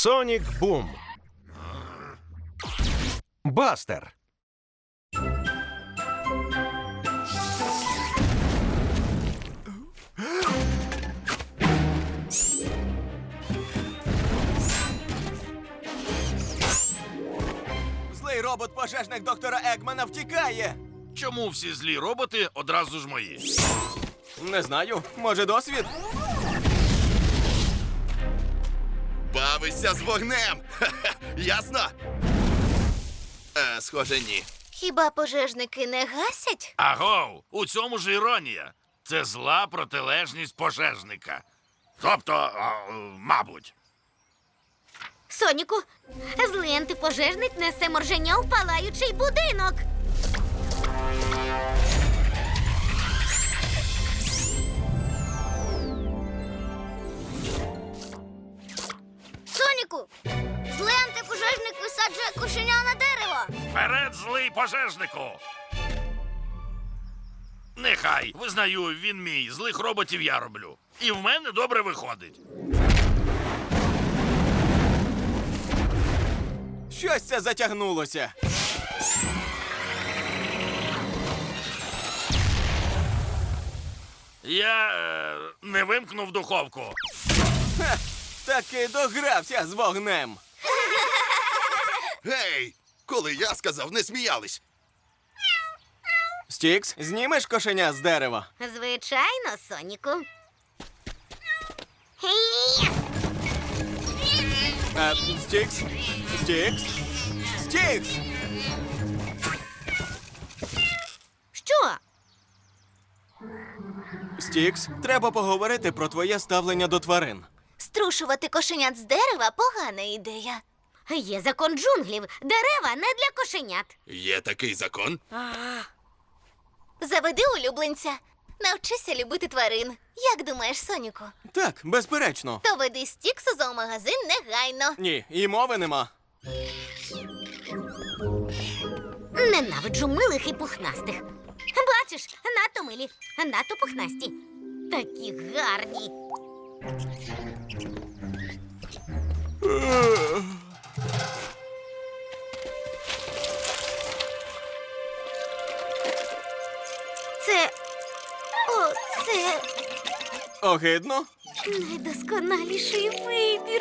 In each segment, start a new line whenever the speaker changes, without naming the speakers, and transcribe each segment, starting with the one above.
Сонік Бум. Бастер.
Злий робот-пожежник доктора Егмана втікає.
Чому всі злі роботи одразу ж мої?
Не знаю, може досвід?
Бавися з вогнем! Ха-ха, ясно? Схоже, ні.
Хіба пожежники не гасять?
Агов, у цьому ж іронія. Це зла протилежність пожежника. Тобто, мабуть.
Соніку, злий антипожежник несе морженя у палаючий будинок.
Соніку! Злий антипожежник висаджує кошеня на дерево!
Вперед, злий пожежнику! Нехай, визнаю, він мій. Злих роботів я роблю. І в мене добре виходить.
Щось це затягнулося.
Я не вимкнув духовку.
Ха, таки догрався з вогнем.
Гей! Коли я сказав, не сміялись.
Стікс, знімеш кошеня з дерева?
Звичайно, Соніку. Гей!
Стікс? Стікс? Стікс!
Що?
Стікс, треба поговорити про твоє ставлення до тварин.
Струшувати кошенят з дерева – погана ідея. Є закон джунглів. Дерева не для кошенят.
Є такий закон?
Заведи улюбленця. Навчися любити тварин. Як думаєш, Соніку?
Так, безперечно.
То веди Стікс у зоомагазин негайно.
Ні, і мови нема.
Ненавиджу милих і пухнастих. Бачиш, надто милі, надто пухнасті. Такі гарні. Це... Це
Огидно?
найдосконаліший вибір.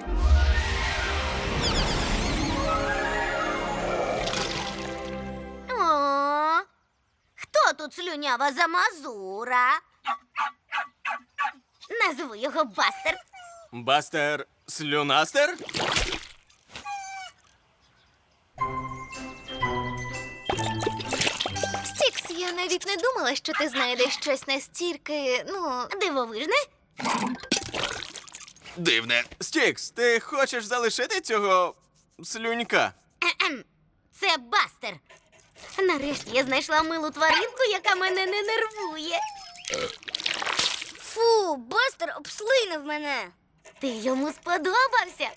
О, хто тут слюнява замазура? Назву його Бастер.
Бастер Слюнастер?
Стікс, я навіть не думала, що ти знайдеш щось настільки, дивовижне.
Дивне.
Стікс, ти хочеш залишити цього слюнька?
Кхе-кхем. Це Бастер. Нарешті я знайшла милу тваринку, яка мене не нервує.
Фу, Бастер обслинив мене!
Ти йому сподобався?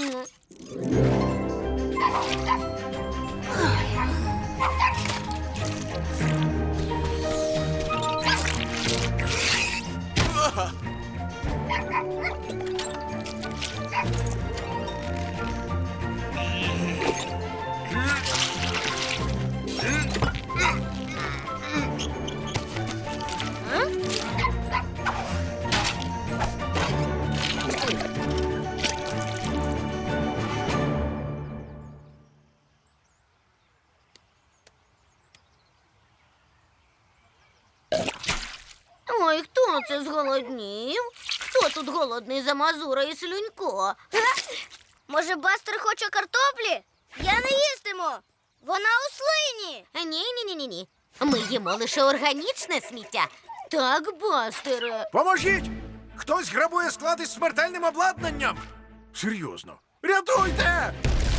Ой, хто це зголоднів? Хто тут голодний за Мазура і Слюнько?
Може, Бастер хоче картоплі? Я не їстиму! Вона у слині!
Ні. Ми їмо лише органічне сміття. Так, Бастере.
Поможіть! Хтось грабує склад із смертельним обладнанням! Серйозно. Рятуйте!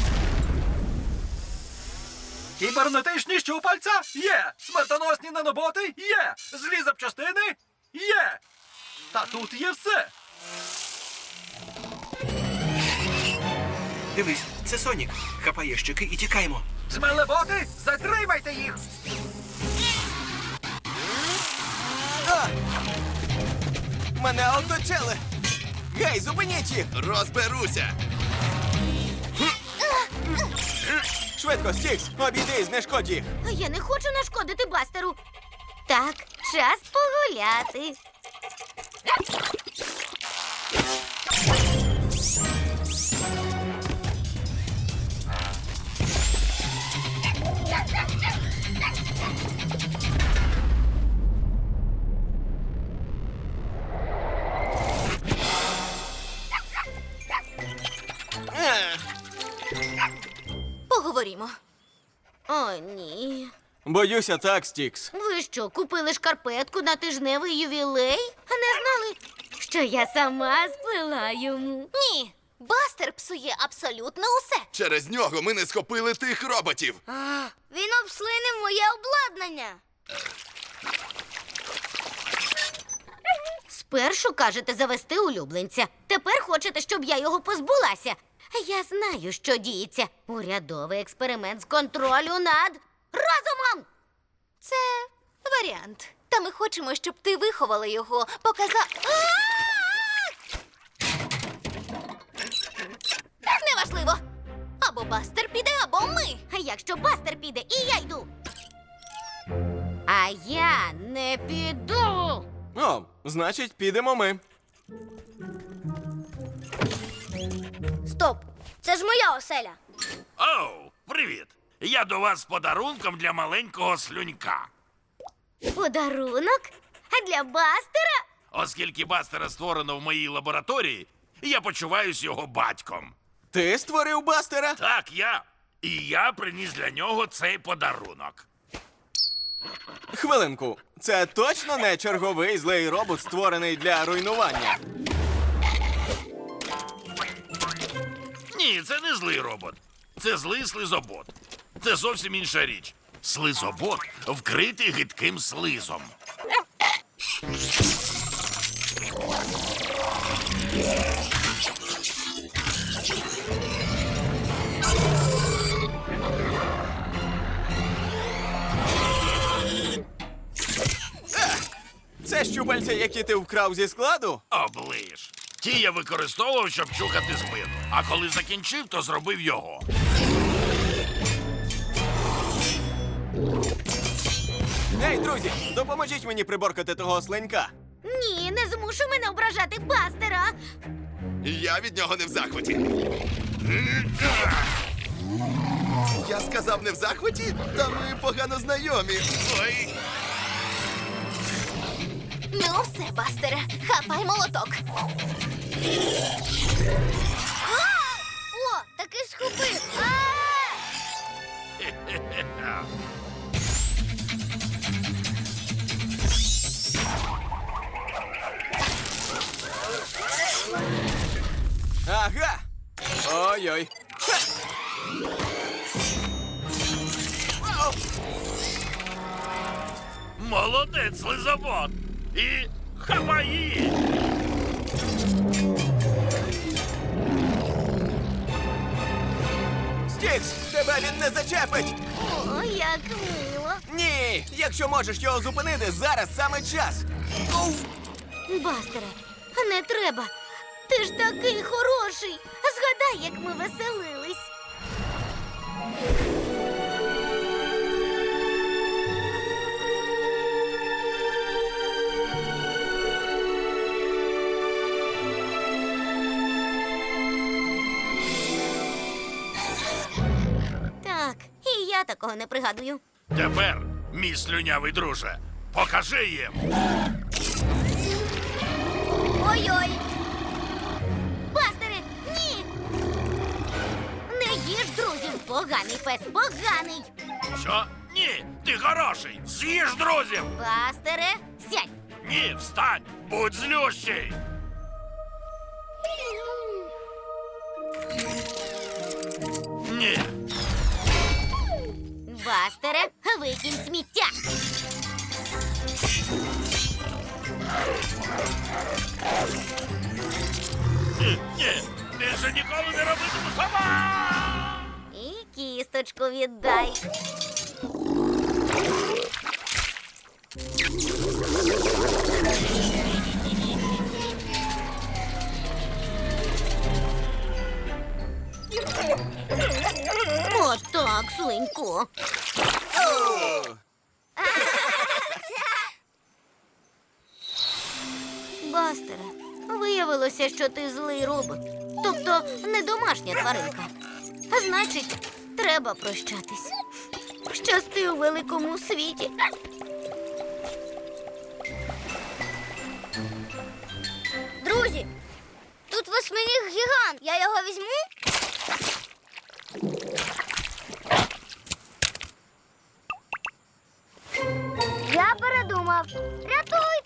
Кібернетичні щупальця? Є! Смертоносні наноботи? Є! Злі запчастини? Є! Та тут є все!
Дивись, це Сонік. Хапай ящики і тікаємо.
Змелеботи, затримайте їх!
Мене оточили! Гей, зупиніть їх!
Розберуся.
Швидко, Стікс, обійди і знешкодь їх.
Я не хочу нашкодити Бастеру. Так, час погуляти. Поговоримо. О, ні.
Боюся так, Стікс.
Ви що, купили шкарпетку на тижневий ювілей? А не знали, що я сама сплела йому? Ні, Бастер псує абсолютно усе.
Через нього ми не схопили тих роботів.
Він обслинив моє обладнання.
Спершу кажете завести улюбленця. Тепер хочете, щоб я його позбулася. Я знаю, що діється. Урядовий експеримент з контролю над розумом. Це варіант. Та ми хочемо, щоб ти виховала його, Неважливо. Або Бастер піде, або ми. А якщо Бастер піде, і я йду. А я не піду.
О, значить, підемо ми.
Стоп! Це ж моя оселя.
Оу, привіт! Я до вас з подарунком для маленького слюнька.
Подарунок? А для Бастера?
Оскільки Бастера створено в моїй лабораторії, я почуваюсь його батьком.
Ти створив Бастера?
Так, я. І я приніс для нього цей подарунок.
Хвилинку. Це точно не черговий злий робот, створений для руйнування.
Ні, це не злий робот. Це злий слизобот. Це зовсім інша річ. Слизобот вкритий гидким слизом.
Це щупальця, які ти вкрав зі складу?
Оближ. Ті я використовував, щоб чухати спину. А коли закінчив, то зробив його.
Ей, друзі, допоможіть мені приборкати того слинька.
Ні, не змушу мене ображати Бастера.
Я від нього не в захваті. Я сказав не в захваті, та ми погано знайомі. Ой.
Ну все, Бастере, хапай молоток.
О, таки схопив.
Ага. Ой-ой. Ха! Ау!
Молодець, слизобот. І хапай її.
Стікс, тебе він не зачепить!
О, як мило.
Ні! Якщо можеш його зупинити, зараз саме час!
Бастере, не треба. Ти ж такий хороший. Згадай, як ми веселились. Так, і я такого не пригадую.
Тепер, мій слюнявий друже, покажи їм.
Ой-ой.
Бастере, ні! Не їж друзів, поганий пес, поганий.
Що? Ні, ти хороший. З'їж друзів.
Бастере, сядь.
Ні, встань. Будь злющий. Ні.
Бастере, викинь сміття.
Ні. Більше ніколи не робитиму сама.
І кісточку віддай. так, слинько. Бастере, виявилося, що ти злий робот. Тобто не домашня тваринка. А значить, треба прощатись. Щасти у великому світі.
Друзі, тут восьминіг гігант. Я його візьму? Я передумав. Рятуйте!